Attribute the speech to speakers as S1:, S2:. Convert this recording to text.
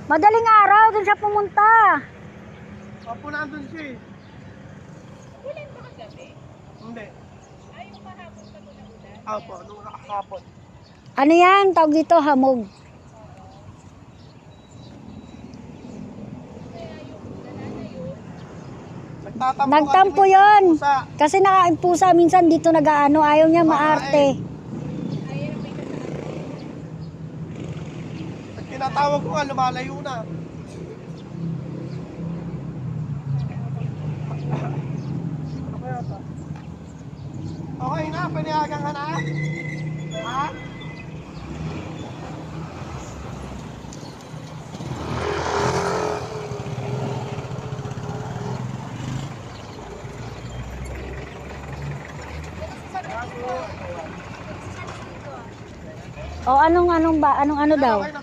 S1: Madaling araw, dun siya pumunta.
S2: Opo, nandun siya eh.
S3: Ulan ba kagabi?
S2: Hindi.
S3: Ay, yung kahapon pa ito na ulan?
S2: Opo, nung nakakapon.
S1: Ano yan? Tawag dito, hamog.
S3: Kaya yung lalana yun,
S1: Nagtampo
S2: kasi
S1: yun.
S2: minsan pusa.
S1: Kasi nakaimpusa minsan dito nag-aano. Ayaw niya maarte.
S3: ayaw may kasama.
S2: Pag tinatawag ko nga, lumalayo na. Ano kaya ito? Okay na, paniagang ka na? Ha?
S1: O anong ano daw?
S2: Okay na.